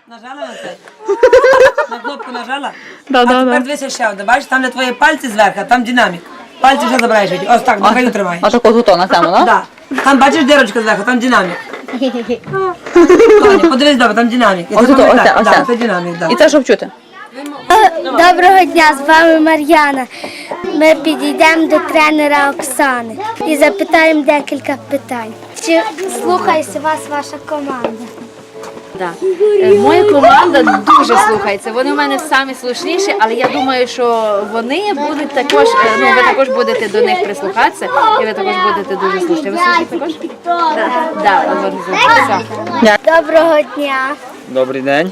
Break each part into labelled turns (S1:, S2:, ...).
S1: Нажала на це? На кнопку нажала?
S2: Да,
S1: А
S2: да,
S1: тепер
S2: да.
S1: дивися ще одне. Бачиш, там де твої пальці зверху, там динамік. Пальці вже забираєш. Ось так, на краю тримаєш.
S2: А таку тут на тему, так?
S1: Да. Там бачиш дирочку зверху, там динамік. Тоня, подивись добре, там динамік. І
S2: Ось
S1: це
S2: тут, ось
S1: пам'ятай.
S2: це, ось
S1: Да,
S2: це.
S1: це динамік, да.
S2: І це щоб чути.
S3: Доброго дня, з вами Мар'яна. Ми підійдемо до тренера Оксани і запитаємо декілька питань. Чи слухається вас ваша команда?
S4: Да. Моя команда дуже слухається. Вони в мене самі слушніші, але я думаю, що вони будуть також, ну ви також будете до них прислухатися, і ви також будете дуже слушні. Ви слухаєте також? Так.
S3: Доброго дня.
S5: Добрий день.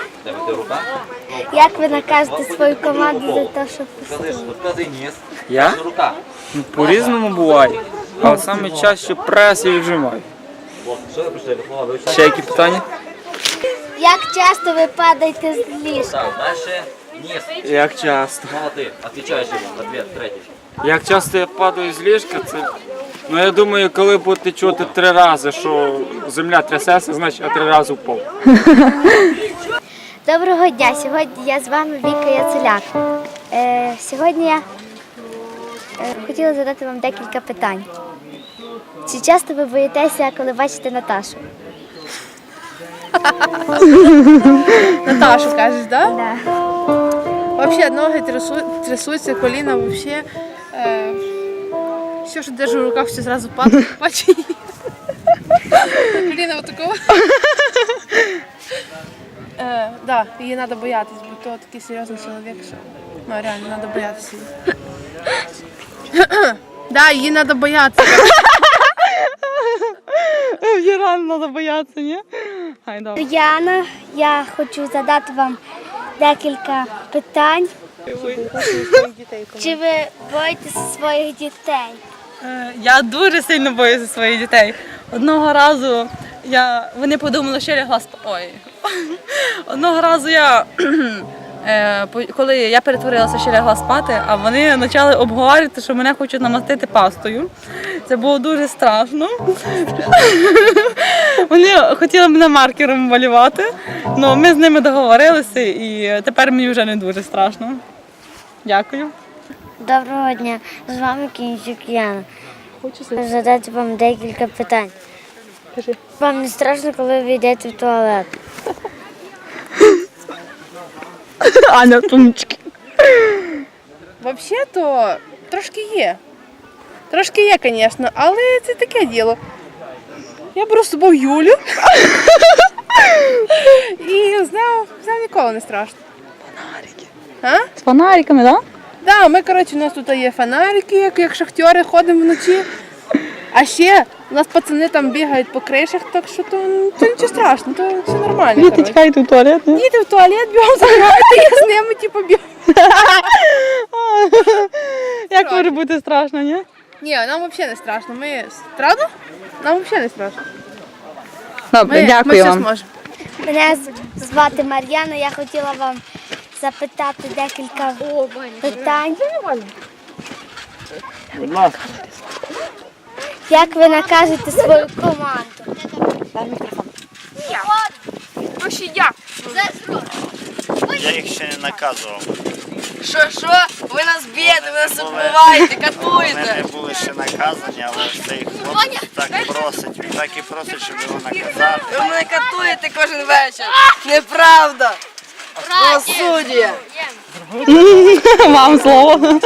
S3: Як ви накажете свою команду за те, що послухали?
S5: Я? Ну, по-різному буває. Але саме чаще прес і віджимаю. Ще які питання?
S3: Як часто ви падаєте з ліжка?
S5: Як часто? Як часто я падаю з ліжка, це... Ну я думаю, коли будете чути 3 рази, що земля трясеться, значить я 3 рази впав.
S3: Доброго дня. Сьогодні я з вами Віка Яцеляк. Сьогодні я хотіла задати вам декілька питань. Чи часто ви боїтеся, коли бачите Наташу?
S6: Наташу кажеш, да?
S3: Да.
S6: Вообще ноги трясутся, коліна вообще. Все, що держу в руках, все зразу падає. Бачи. Коліна вот такого. Да, її треба боятись, бо то такий серйозний чоловік, що ну реально треба боятися її. Да, її треба боятися.
S2: Її рано треба боятися, ні? Ай, добре.
S3: Яна, я хочу задати вам декілька питань. Чи ви боїтеся своїх дітей?
S2: Я дуже сильно боюся своїх дітей. Одного разу вони подумали, що я лягла спати. Ой. Одного разу коли я перетворилася, що лягла спати, а вони почали обговорювати, що мене хочуть намастити пастою. Це було дуже страшно. Вони хотіли мене маркером малювати, але ми з ними договорилися і тепер мені вже не дуже страшно. Дякую.
S3: Доброго дня, з вами Кінчук Яна. Хочу задати вам декілька питань. Вам не страшно, коли ви йдете в туалет?
S2: Аня, тумчки.
S6: Взагалі-то трошки є. Трошки є, звісно, але це таке діло. Я беру з собою Юлю. І з нею ніколи не страшно.
S2: Фонарики.
S6: А?
S2: З фонариками, так?
S6: Да, ми, коротше, у нас тут є фонарики, як шахтери, ходимо вночі. А ще у нас пацани там бігають по кришах, так що то нічого страшного, то все нормально.
S2: Діти
S6: коротше.
S2: тікають у туалет, ні?
S6: Діти в туалет бігом заграти, я з ними типу бігаю.
S2: Як може бути страшно, ні?
S6: Ні, нам взагалі не страшно. Правда? Нам взагалі не страшно.
S2: Добре,
S6: Ми
S2: дякую
S6: все
S2: вам.
S6: зможемо.
S3: Мене звати Мар'яна, я хотіла вам запитати декілька питань.
S5: Будь ласка.
S3: Як ви накажете свою команду?
S7: Я їх ще не наказував.
S1: Що? Ви нас б'єте, ви нас убиваєте,
S7: Вони не були ще наказані, але цей хлопець так просить, він так і просить, щоб його наказати.
S1: Ви мене катуєте кожен вечір. Неправда. Правосуддя.
S2: Вам слово.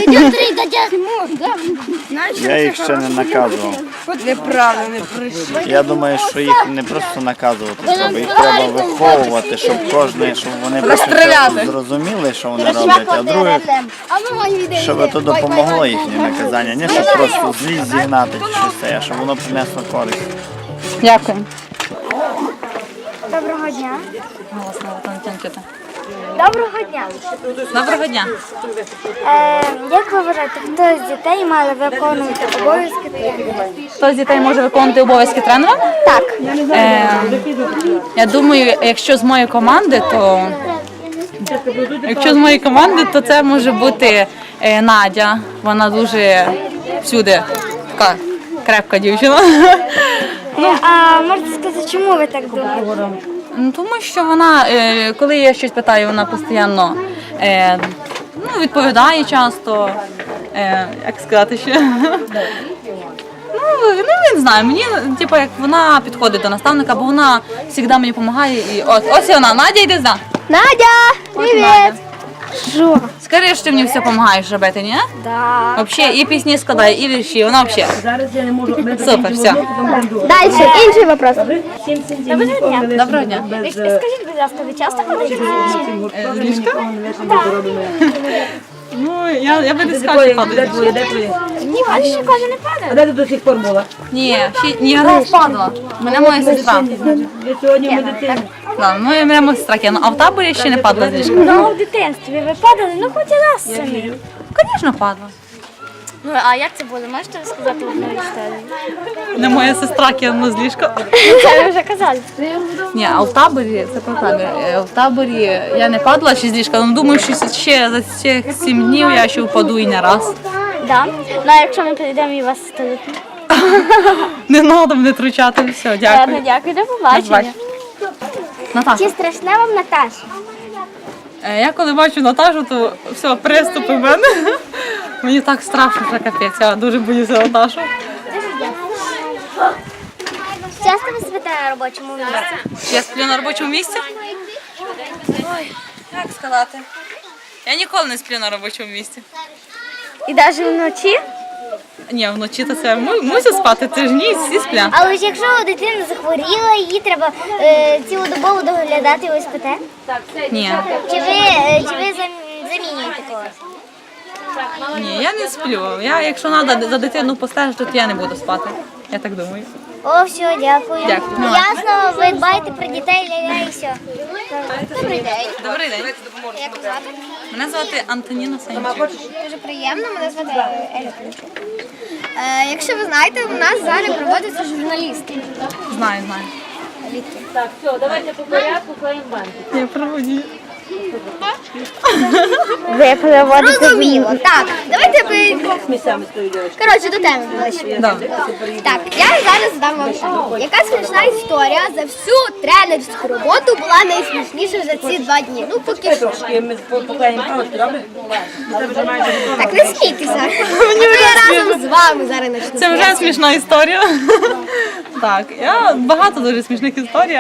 S7: Я їх ще не наказував.
S1: Неправда, не прийшли.
S7: Я думаю, що їх не просто наказувати треба, їх треба виховувати, щоб щоб вони перше зрозуміли, що вони роблять, а друге, щоб то допомогло їхнє наказання, не щоб просто злість зігнати чи щось це, а щоб воно принесло користь.
S2: Дякую.
S3: Доброго дня. Доброго дня.
S2: Доброго дня.
S3: Як ви вважаєте, хто з дітей має виконувати обов'язки тренера?
S2: Хто з дітей може виконувати обов'язки тренера?
S3: Так.
S2: Я думаю, якщо з моєї команди, то це може бути Надя. Вона дуже всюди така крепка дівчина.
S3: А можете сказати, чому ви так думаєте?
S2: Ну, тому що вона, коли я щось питаю, вона постійно відповідає часто. Як сказати ще? Ну, не знаю, мені, типу, як вона підходить до наставника, бо вона завжди мені допомагає. І ось вона, Надя, йди за.
S3: Надя, привіт! Що?
S2: Скажи, що ти мені все допомагаєш робити, ні?
S3: Да.
S2: Взагалі, і пісні складає, і вірші, вона взагалі.
S1: Зараз я не можу.
S2: Супер, все.
S3: Далі, інший вопрос.
S2: Доброго дня.
S3: Скажіть, будь ласка, ви часто ходите в
S2: З ліжка? Ну, я би не скажу, що
S1: Де
S2: падаю.
S1: твоє, де твоє?
S3: Ні, а ще каже, не падає.
S1: А де ти до сих пор була?
S2: Ні, я не впадала. Мене моя сестра.
S1: Ви сьогодні в медицині.
S2: Да, мене моя сестра кинула. А в таборі ще не падала з ліжка.
S3: Ну, в дитинстві ви падали, ну хоч і раз самі.
S2: Звісно, падала.
S3: Ну, а як це було? Можете розказати одну історію?
S2: Не моя сестра кинула з ліжка.
S3: Це ви вже казали.
S2: Ні, а в таборі, це про табір. В таборі я не падала ще з ліжка, але думаю, що ще за цих 7 днів я ще впаду і не раз.
S3: Да. Ну, а якщо ми прийдемо і вас столити?
S2: Не треба мене тручати, все, дякую.
S3: Ладно, дякую, до побачення.
S2: Наташа,
S3: Чи страшне вам Наташа?
S2: я коли бачу Наташу, то все, приступи в мене. Мені так страшно, що капець, я дуже боюся Наташу.
S3: Часто ви спите на робочому місці?
S2: Я сплю на робочому місці? Ой, як сказати? Я ніколи не сплю на робочому місці.
S3: І навіть вночі?
S2: Ні, вночі то це мусить спати, це ж ні, всі сплять.
S3: Але ж якщо дитина захворіла, її треба цілодобово доглядати, і ви спите?
S2: Ні,
S3: Чи ви замінюєте когось?
S2: ні, я не сплю. Якщо треба за дитину постежити, то я не буду спати. Я так думаю.
S3: О, все, дякую.
S2: Дякую.
S3: Ясно, ви дбаєте про дітей, ля-ля і все. Добрий день.
S2: Добрий день.
S3: Як вас звати?
S2: Мене звати Антоніна Санчук.
S3: Дуже приємно, мене звати Еля. Якщо ви знаєте, у нас зараз проводиться журналісти.
S2: Знаю. Я проводію.
S3: Ви проводите зрозуміло. Так, давайте ви...
S1: Місцями стою, дівчатка.
S3: Коротше, до теми ближче.
S2: Да.
S3: Так, я зараз задам вам питання. Яка смішна історія за всю тренерську роботу була найсмішніша за ці 2 дні? Ну, поки що.
S1: Трошки ми поклеїмо палочки, добре? Це вже майже готово.
S3: Так, не смійтеся. А то я разом з вами зараз почну.
S2: Це вже смішна історія. Так, я багато дуже смішних історій,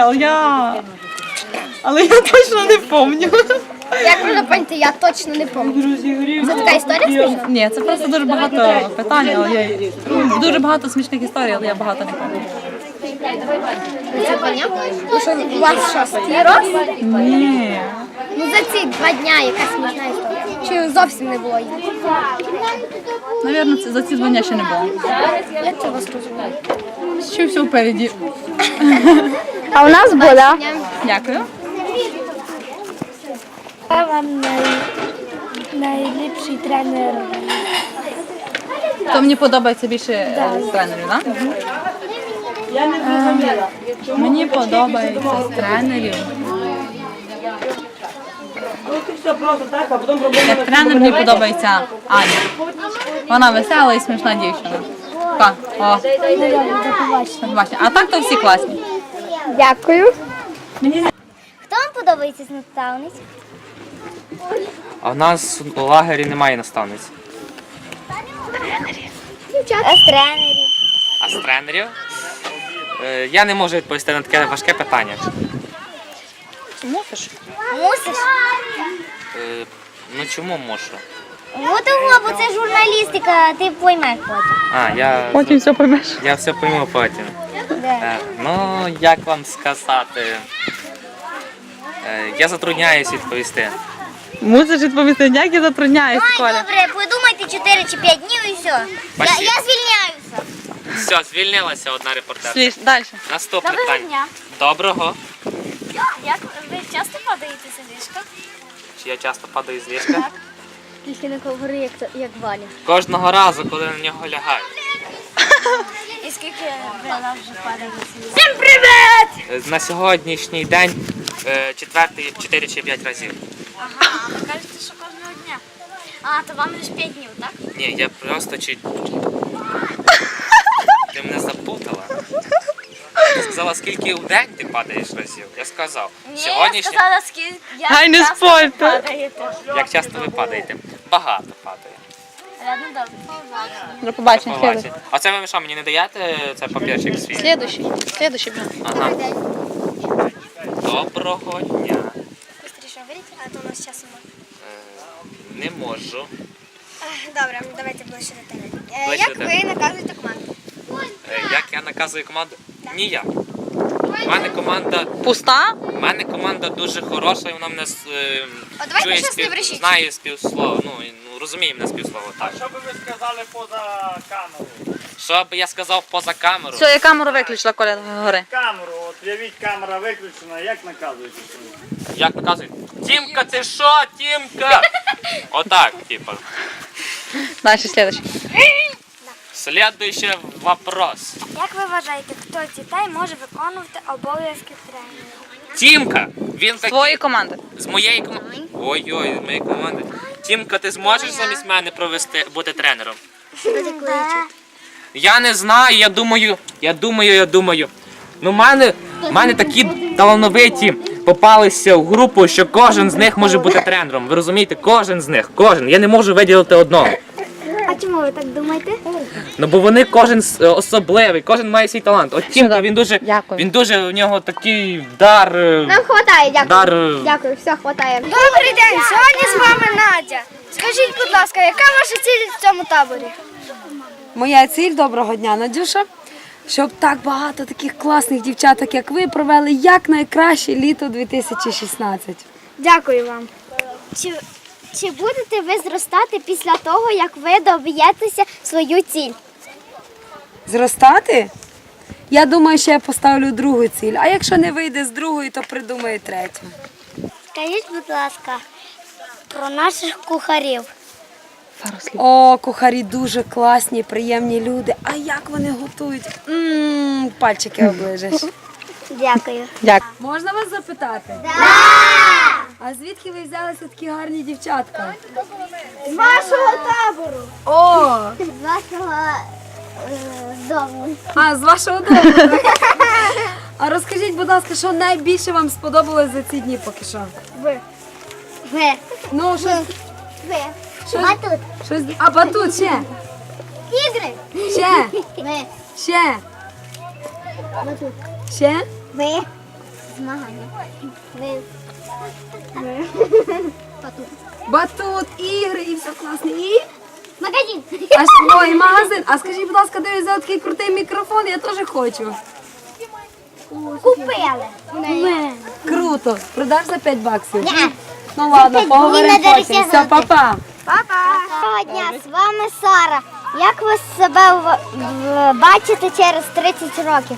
S2: але я точно не пам'ятаю.
S3: Як можна поняти, я точно не пам'ятаю. Це така історія смішна?
S2: Ні, це просто дуже багато питань, дуже багато смішних історій, але я багато не пам'ятаю.
S3: Це понятно? Ну що, у вас що, склероз?
S2: Ні.
S3: Ну за ці 2 дня яка смішна історія? Чи зовсім не було її?
S2: Навірно, за ці 2 дні ще не було.
S3: Як це вас розуміє?
S2: Ще все впереді.
S3: А у нас була.
S2: Дякую.
S3: Я вам найліпший тренер.
S2: То мені подобається більше з тренерів, так?
S1: Я не зрозуміла.
S2: Мені подобається з тренерів.
S1: Ну ти все просто так, а потім робимо.
S2: Як тренер мені подобається Аня. Вона весела і смішна дівчина. Так, о, побачення. А так то всі класні.
S3: Дякую. Хто вам подобається з наставниць?
S8: А в нас у лагері немає наставниць.
S3: А з тренерів?
S8: А з тренерів? Я не можу відповісти на таке важке питання.
S2: Мусиш?
S3: Мусиш?
S8: Ну чому можу?
S3: Ну того, бо це журналістика, ти поймеш потім.
S2: Потім все поймеш.
S8: Я все пойму потім.
S3: Да.
S8: Ну, як вам сказати? Я затрудняюсь відповісти.
S2: Мусиш відповісти, як я затрудняюсь,
S3: Ай,
S2: Коля.
S3: добре, подумайте 4 чи 5 днів і все.
S8: Спасибо.
S3: Я звільняюся.
S8: Все, звільнилася одна репортерка.
S2: Далі.
S8: Наступне
S3: Доброго
S8: питання.
S3: дня.
S8: Доброго.
S3: Як ви часто падаєте з ліжка?
S8: Чи я часто падаю з ліжка?
S3: Тільки не говори, як Валя.
S8: Кожного разу, коли на нього лягаю.
S3: І скільки ви вже падаєте з ліжка? Всім привіт!
S8: На сьогоднішній день 4 чи 5 разів.
S3: Ага, а ви кажете, що кожного дня. А, то вам лише 5 днів, так?
S8: Ні, я просто чи... Ти мене запутала. Ти сказала, скільки в день ти падаєш разів? Я сказав. Сьогоднішній...
S3: скільки
S2: Гай, не спорте.
S8: Як часто ви падаєте? Багато падає.
S2: До побачення.
S8: Побачите. А це ви що, мені не даєте цей папірчик свій?
S2: Слідуючий.
S8: Ага. Доброго дня.
S3: Быстріше говоріть, а то у нас часу мало.
S8: Не можу.
S3: Добре, давайте ближче до тебе.
S8: Ближче
S3: Як
S8: до тебе.
S3: ви наказуєте команду?
S8: Як я наказую команду? Ніяк. У мене команда...
S2: Пуста?
S8: У мене команда дуже хороша, і вона мене
S3: давайте
S8: чує,
S3: щас не брешіть.
S8: знає співслово, розуміє мене співслово. Так.
S7: Що би ви сказали поза камерою?
S8: Що би я сказав поза камеру?
S2: Все, я камеру виключила, Коля, гори.
S7: Камеру, от уявіть, камера виключена, як наказуєте?
S8: Як наказують? Тімка, ти що, Тімка? Отак, типа.
S2: Далі, слідуючий.
S8: Следующий вопрос.
S3: Як ви вважаєте, хто з дітей може виконувати обов'язки тренера?
S8: Тімка, він такий...
S2: Твої команди.
S8: З моєї команди. Ой-ой, з моєї команди. Тімка, ти зможеш замість мене бути тренером? Я не знаю, я думаю. Ну, в мене такі талановиті попалися в групу, що кожен з них може бути тренером. Ви розумієте? Кожен з них. Кожен. Я не можу виділити одного.
S3: А чому ви так думаєте?
S8: Ну, бо вони кожен особливий, кожен має свій талант. От Тімка, він дуже, у нього такий дар.
S3: Нам хватає, дякую.
S8: Дар.
S3: Дякую, все, хватає. Добрий день, сьогодні з вами Надя. Скажіть, будь ласка, яка ваша ціль в цьому таборі?
S9: Моя ціль, доброго дня, Надюша, щоб так багато таких класних дівчаток, як ви, провели якнайкраще літо 2016.
S3: Дякую вам. Чи будете ви зростати після того, як ви доб'єтеся свою ціль?
S9: Зростати? Я думаю, що я поставлю другу ціль, а якщо не вийде з другої, то придумаю третю.
S3: Скажіть, будь ласка, про наших кухарів.
S9: О, кухарі дуже класні, приємні люди. А як вони готують? Пальчики оближеш.
S3: Дякую.
S9: Можна вас запитати? А звідки ви взялися такі гарні дівчатка?
S3: З вашого табору.
S9: О,
S3: З вашого дому.
S9: а з вашого дому. А розкажіть, будь ласка, що найбільше вам сподобалось за ці дні поки що?
S3: Ви.
S9: Ну, щось,
S3: Ви. Батут.
S9: а батут ще?
S3: Ігри.
S9: Ще?
S3: Ви.
S9: Ще?
S3: Батут.
S9: Ще?
S3: Ви. Змагання. Ви. Батут.
S9: Батут, ігри і все класне. І?
S3: Магазин.
S9: Ой, магазин. А скажіть, будь ласка, де ви взяли такий крутий мікрофон? Я теж хочу.
S3: Купили.
S9: Круто. Продаш за 5 баксів?
S3: Ні.
S9: Ну ладно, поговоримо
S3: Мені надо
S9: потім. Все,
S3: розтягнути.
S9: па-па.
S3: Доброго дня, з вами Сара. Як ви себе бачите через 30 років?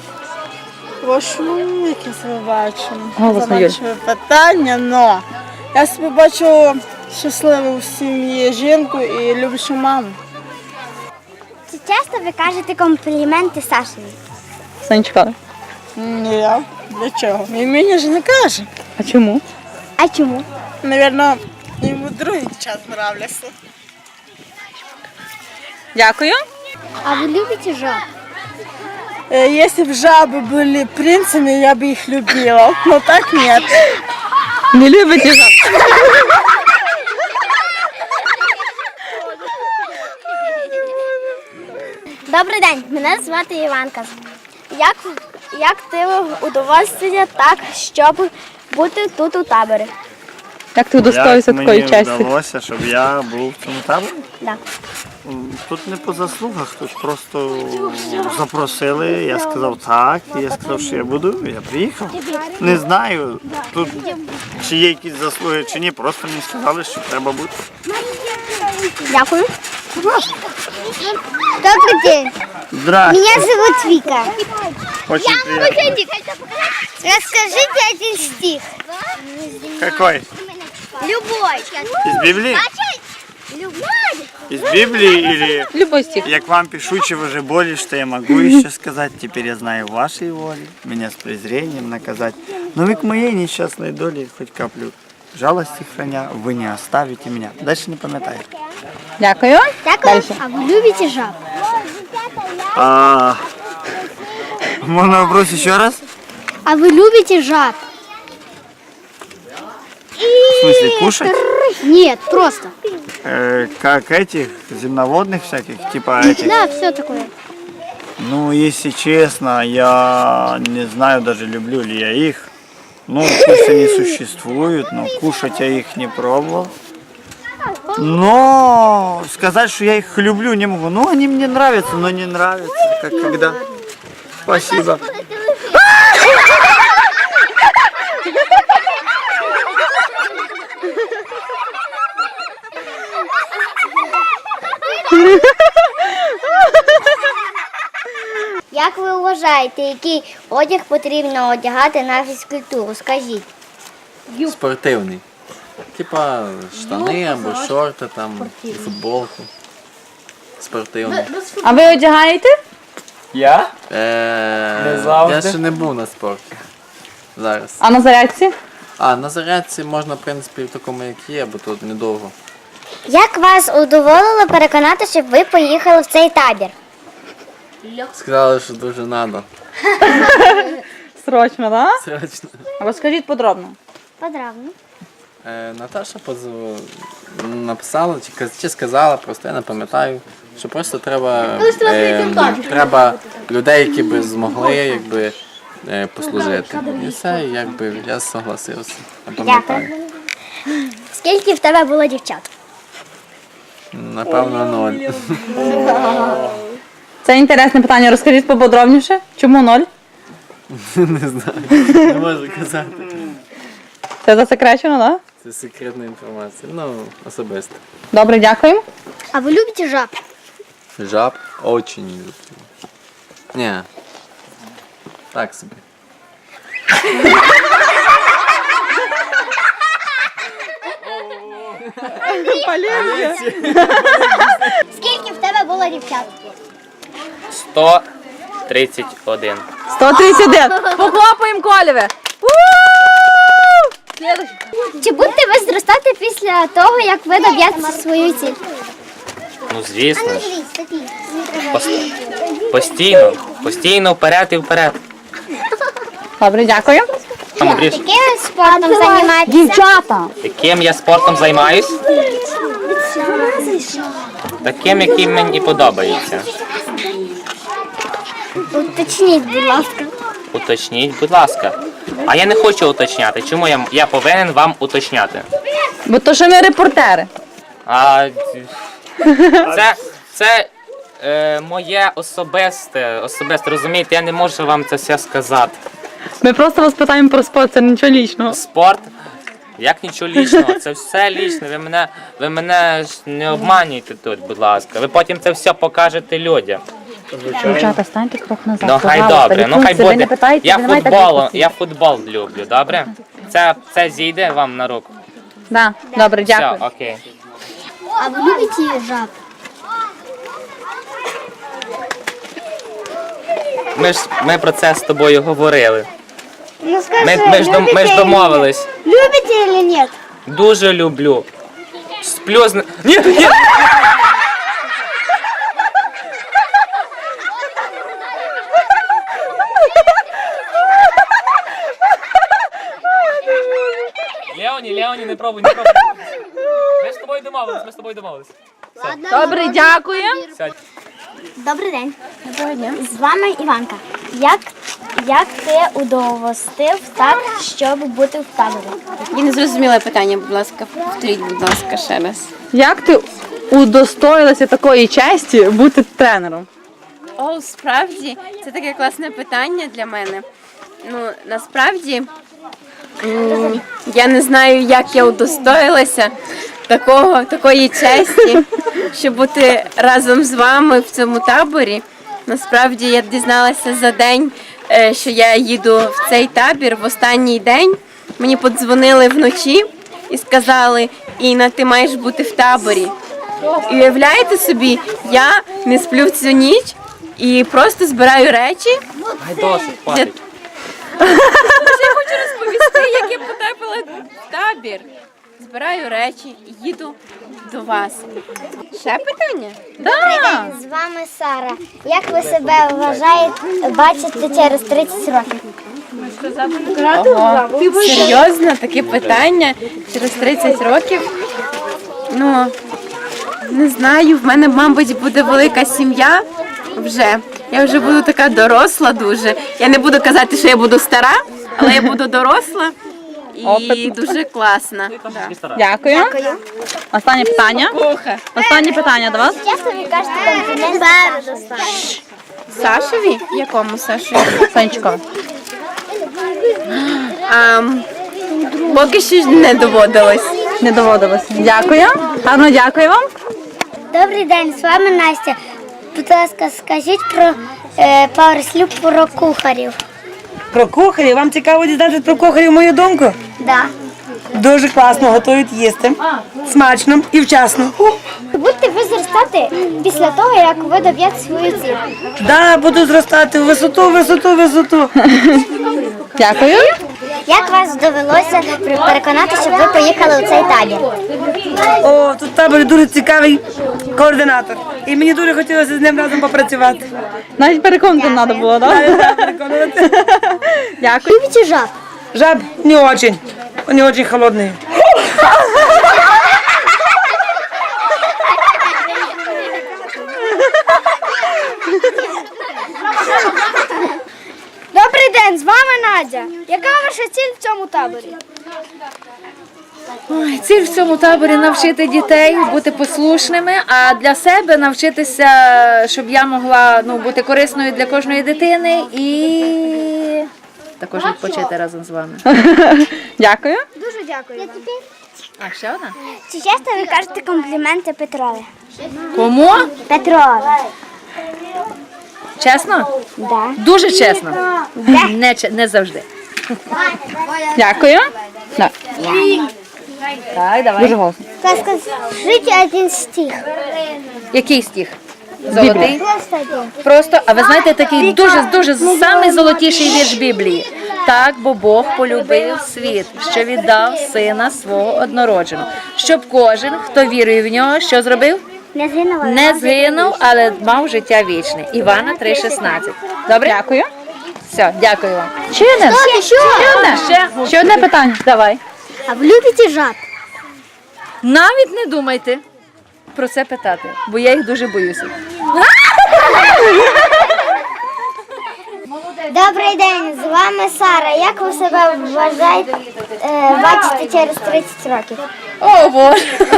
S10: Яке себе бачу.
S2: Голосно, Юль.
S10: Заманчиве питання, но я себе бачу щасливу в сім'ї жінку і люблячу маму.
S3: Чи часто ви кажете компліменти Сашеві?
S2: Санечка.
S10: Ні, для чого? Він мені ж не каже.
S2: А чому?
S3: А чому?
S10: Навірно, йому другий час нравляться.
S2: Дякую.
S3: А ви любите жаб?
S10: Если бы жабы были принцами, я бы их любила. Но так нет.
S2: Не любите жаб?
S3: Добрий день, мене звати Іванка. Як ти удовольствие так, щоб бути тут у таборі?
S2: Як ти удостоївся такої честі?
S7: вдалося, щоб я був в цьому таборі?
S3: Да.
S7: Тут не по заслугах, тут просто запросили, я сказав так, і я сказав, що я буду, я приїхав. Не знаю, тут чи є якісь заслуги, чи ні, просто мені сказали, що треба бути.
S3: Дякую. Добрый день.
S7: Здравствуйте.
S3: Меня зовут Вика.
S7: Очень приятно.
S3: Расскажите один стих.
S7: Какой?
S3: Любой.
S7: Из Библии?
S3: Любой.
S7: Из Библии или...
S2: Любой стих.
S7: Я к вам пишу, чего же боли, что я могу еще сказать. Теперь я знаю вашей воли, меня с презрением наказать. Но вы к моей несчастной доле хоть каплю жалости храня, вы не оставите меня. Дальше не пам'ятаю.
S2: Дякую.
S3: Дякую. А вы любите жаб?
S7: Можно вопрос еще раз?
S3: А ви любите жаб?
S7: В смысле, кушать?
S3: Ні, просто.
S7: Как этих, земноводных всяких, типа этих?
S3: Да, все такое.
S7: Ну, если честно, я не знаю даже, люблю ли я их. Ну, пусть они существуют, но кушать я их не пробовал. Но сказать, что я их люблю, не могу. Ну, они мне нравятся, но не нравятся, как когда. Спасибо.
S3: Як ви вважаєте, який одяг потрібно одягати на фізкультуру? Скажіть.
S11: Спортивний. Типа штани або шорти, там, футболку. Спортивний.
S2: А ви одягаєте?
S5: Я?
S11: Я
S5: завжди.
S11: ще не був на спорті. Зараз.
S2: А на зарядці?
S11: А на зарядці можна, в принципі, в такому, як є, бо тут недовго.
S3: Як вас удоволило переконати, щоб ви поїхали в цей табір?
S11: Сказали, що дуже треба.
S2: Срочно, так?
S11: Срочно.
S2: Розкажіть подробно.
S3: Подробно.
S11: Наташа написала чи сказала, просто я не пам'ятаю, що просто треба людей, які би змогли якби, послужити. І все, і якби я согласився. Я пам'ятаю.
S3: Скільки в тебе було дівчат?
S11: Напевно, 0.
S2: Це інтересне питання. Розкажіть поподробніше. Чому 0?
S11: Не знаю, не можу казати.
S2: Це засекречено, так?
S11: Це секретна інформація. Ну, особисто.
S2: Добре, дякуємо.
S3: А ви любите жаб?
S11: Жаб очень не люблю. Ні. Так собі.
S3: Скільки в тебе було дівчат?
S8: 131.
S2: 131. Похлопаємо Колєве.
S3: Чи будете ви зростати після того, як ви доб'єте свою ціль?
S8: Ну, звісно ж. Постійно вперед і вперед.
S2: Добре, дякую.
S8: Андрій,
S3: Яким спортом займаєтеся?
S2: Дівчата.
S8: яким я спортом займаюсь? Таким, яким мені подобається.
S3: Уточніть, будь ласка.
S8: Уточніть, будь ласка. А я не хочу уточняти. Чому я повинен вам уточняти?
S2: Бо то, що ми репортери.
S8: А це моє особисте, розумієте, я не можу вам це все сказати.
S2: Ми просто вас питаємо про спорт, це нічого лічного.
S8: Спорт, як нічого лічного, це все лічне. Ви мене ж не обманюйте тут, будь ласка. Ви потім це все покажете людям.
S2: Дівчата, станьте крок назад.
S8: Ну хай
S2: пожалуйста.
S8: добре, ну хай
S2: Лікуйте, ви
S8: буде.
S2: не питайте, ви не маєте так
S8: Я футбол люблю, добре? Це зійде вам на руку.
S2: Да, добре, дякую.
S8: Все, окей.
S3: А ви любите жаб?
S8: Ми про це з тобою говорили.
S3: Ну скажи,
S8: Ми ж домовились.
S3: Любите или нет?
S8: Дуже люблю. Сплю з... Ні! Леоні, не пробуй. Ми з тобою домовились.
S2: Добре, дякую.
S3: Добрий день. Доброго дня. З вами Іванка. Як ти удовостив так, щоб бути в таборі?
S6: Я не зрозуміла питання, будь ласка, повторіть, будь ласка, ще раз.
S2: Як ти удостоїлася такої честі бути тренером?
S6: О, справді, це таке класне питання для мене. Ну, насправді, я не знаю, як я удостоїлася такої честі, щоб бути разом з вами в цьому таборі. Насправді, я дізналася за день, що я їду в цей табір в останній день. Мені подзвонили вночі і сказали: Інна, ти маєш бути в таборі. І уявляєте собі, я не сплю в цю ніч і просто збираю речі.
S8: Ай, досить, хватить.
S6: Я хочу розповісти, як я потрапила в табір. Збираю збираю речі і їду до вас. Ще питання?
S3: З вами Сара. Як ви себе бачите через 30 років?
S6: Ого, серйозно, таке питання через 30 років. Ну, не знаю, в мене, мабуть, буде велика сім'я вже. Я вже буду така доросла дуже. Я не буду казати, що я буду стара, але я буду доросла і дуже класна. Да.
S2: Дякую. Останнє питання. Останнє питання до вас.
S3: Часто ви кажете комплімент спереду.
S6: Сашеві? Якому Сашеві?
S2: Сонечко.
S6: Поки що не доводилось.
S2: Не доводилось. Дякую. Гарно дякую вам.
S3: Добрий день, з вами Настя. Будь ласка, скажіть про пару слів про кухарів.
S1: Про кухарів. Вам цікаво дізнатися про кухарів мою думку?
S3: Да.
S1: Дуже класно готують їсти. Смачно і вчасно.
S3: Будете ви зростати після того, як ви доб'єте свою ціль.
S1: Да, буду зростати в висоту.
S2: Дякую.
S3: Як вас довелося переконати, щоб ви поїхали у цей табір?
S1: О, тут в таборі дуже цікавий координатор. І мені дуже хотілося з ним разом попрацювати.
S2: Навіть переконати не треба було, так? Дякую.
S3: Любите жаб?
S1: Жаб не очень. Они очень холодные.
S3: Добрий день, з вами Надя. Яка ваша ціль в цьому таборі?
S4: Ой, ціль в цьому таборі навчити дітей бути послушними, а для себе навчитися, щоб я могла бути корисною для кожної дитини і також відпочити разом з вами.
S2: Дякую.
S3: Дуже дякую.
S4: А ще одна?
S3: Чи часто ви кажете компліменти Петрові?
S4: Кому?
S3: Петрові.
S4: Чесно?
S3: Да.
S4: Дуже чесно. Не завжди.
S2: Дякую. Так, давай. Дуже голосно.
S3: Скажіть один стих.
S4: Який стих? Золотий?
S3: Просто один.
S4: Просто, а ви знаєте, такий дуже самий золотіший вірш Біблії. Так, бо Бог полюбив світ, що віддав сина свого однородженого, щоб кожен, хто вірує в нього, що зробив? Не згинув, але мав життя вічне. Івана 3,16. Добре?
S2: Дякую.
S4: Все, дякую вам.
S2: Ще одне. Ще одне питання. Давай.
S3: А ви любите жаб?
S4: Навіть не думайте про це питати, бо я їх дуже боюся.
S3: Добрий день, з вами Сара. Як ви себе бачите через 30 років?
S6: О, Боже! 30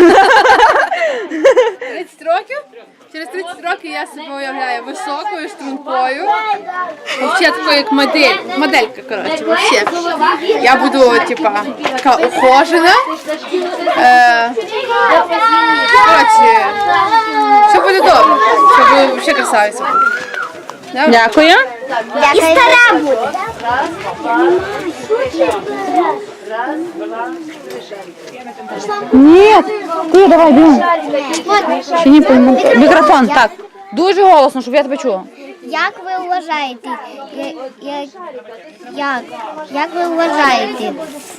S6: років? Через 30 років я себе уявляю високою, стрункою. Взагалі такою, як моделька, коротше, вообще. Я буду, типа, така ухожена. Коротше, все буде добре. Все буде взагалі красавиця.
S2: Дякую.
S3: І стара буде.
S2: Ні, ти давай, бігом. Ще не пойму. Мікрофон, так. Дуже голосно, щоб я тебе чула.
S3: Як ви вважаєте, як ви вважаєте,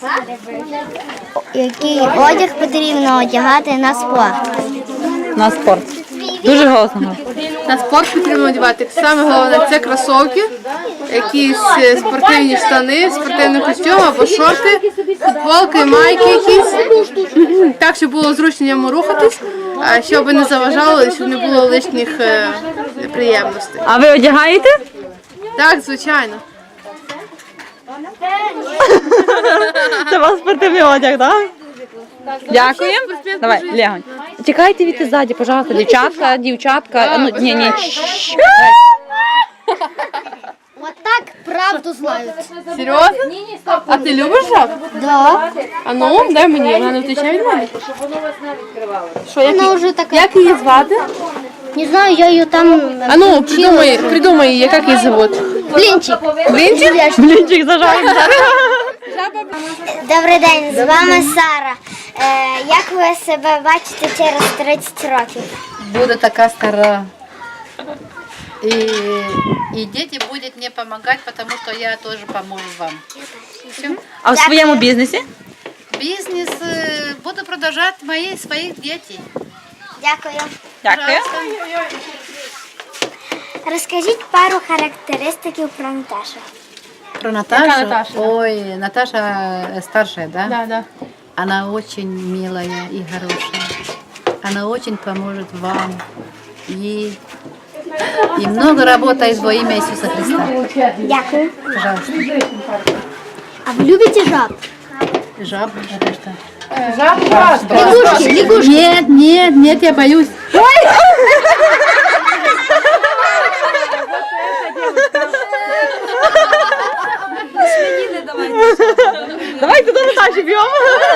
S3: який одяг потрібно одягати на спорт?
S2: На спорт. Дуже голосно.
S6: На спорт потрібно одягати. Саме головне це кросовки, якісь спортивні штани, спортивний костюм або шорти, футболки, майки якісь. Так, щоб було зручно йому рухатись, щоб не заважало, щоб не було лишніх неприємностей.
S2: А ви одягаєте?
S6: Так, звичайно.
S2: Це у вас спортивний одяг, так? Дякую. Давай, лягонь. Чекайте від ззаді, пожалуйста, дівчатка. Ну, ні.
S3: Вот так правду знають.
S6: Серйозно? А ти любиш жаб?
S3: Да.
S6: А ну, дай мені, вона не втече від мене. Що,
S3: Вона вже така.
S6: як її звати?
S3: Не знаю, я її там
S6: А ну, придумай, як її зовут.
S3: Блінчик.
S6: Блінчик?
S2: Блінчик зажаємо.
S3: Добрий день, з вами Сара. Як ви себе бачите через 30 років?
S4: Буду така стара.
S12: И дети будут мне помогать, потому что я тоже помогу вам.
S2: А в своєму бізнесі?
S12: Бизнес буду продолжать своих детей.
S3: Дякую.
S2: Дякую.
S3: Розкажіть пару характеристиків про Наташу.
S12: Про Наташу? Ой, Наташа старшая, да?
S6: Да.
S12: Она очень милая и хорошая. Она очень поможет вам. И много работает во имя Иисуса Христа.
S3: Дякую.
S12: Пожалуйста.
S3: А ви любите жаб?
S12: Жаб, это что? Лягушки. Нет, я боюсь.
S2: Давайте до Наташі б'ємо.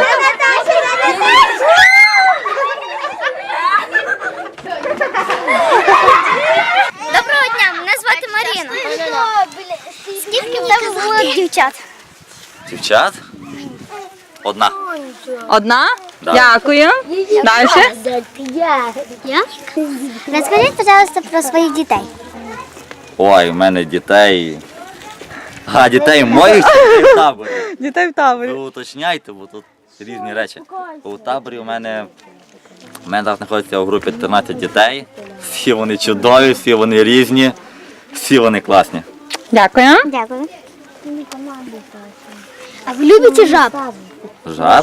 S3: Доброго дня, мене звати Маріна. Скільки в тебе було дівчат?
S13: Дівчат? Одна.
S2: Одна?
S13: Да.
S2: Дякую. Далі.
S3: Я? Розкажіть, пожалуйста, про своїх дітей.
S13: Ой, в мене дітей. А, дітей моїх чи дітей в таборі?
S2: Дітей в таборі.
S13: Ви уточняйте, бо тут різні речі. У таборі у мене зараз знаходиться у групі 13 дітей. Всі вони чудові, всі вони різні, всі вони класні.
S2: Дякую.
S3: Дякую. А ви любите жаб?
S13: Жаб?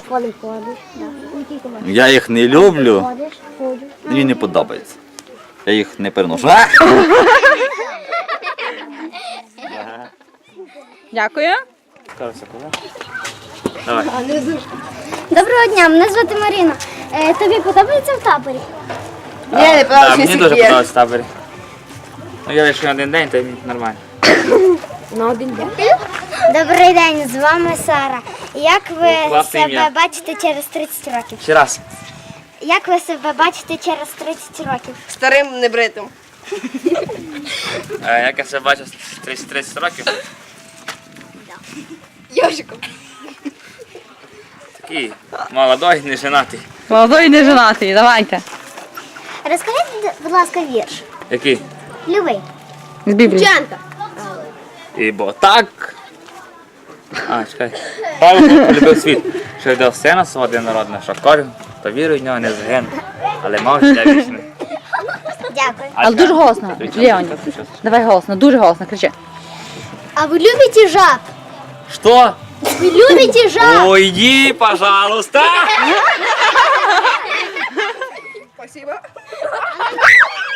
S13: Я їх не люблю, мені не подобається. Я їх не переношу. А!
S2: Дякую.
S13: Давай.
S3: Доброго дня, мене звати Маріна. Тобі подобається в таборі?
S5: Так, мені дуже подобається в таборі. Ну, я лише один день, то мені нормально.
S3: Добрий день, з вами Сара. Як ви
S5: Класне
S3: себе
S5: ім'я.
S3: бачите через 30 років?
S5: Ще раз.
S3: Як ви себе бачите через 30 років?
S10: Старим небритим.
S5: Як я себе бачу з 30 років?
S10: Йожиком.
S5: Такий молодой, не женатий.
S2: Молодой не женатий. Давайте.
S3: Розкажіть, будь ласка, вірш.
S5: Який?
S3: Любий.
S2: З Біблії.
S5: Ібо так. А, чекай. Павло полюбив світ, що віддав сина свого однородного, що кожен, хто вірує в нього, не загине, але мав життя вічне.
S3: Дякую.
S2: Але дуже голосно. Леонід. Давай голосно, дуже голосно, кричи.
S3: А ви любите жаб?
S5: Що?
S3: Ви любите жаб?
S5: Уйди, пожалуйста!
S10: Спасибо.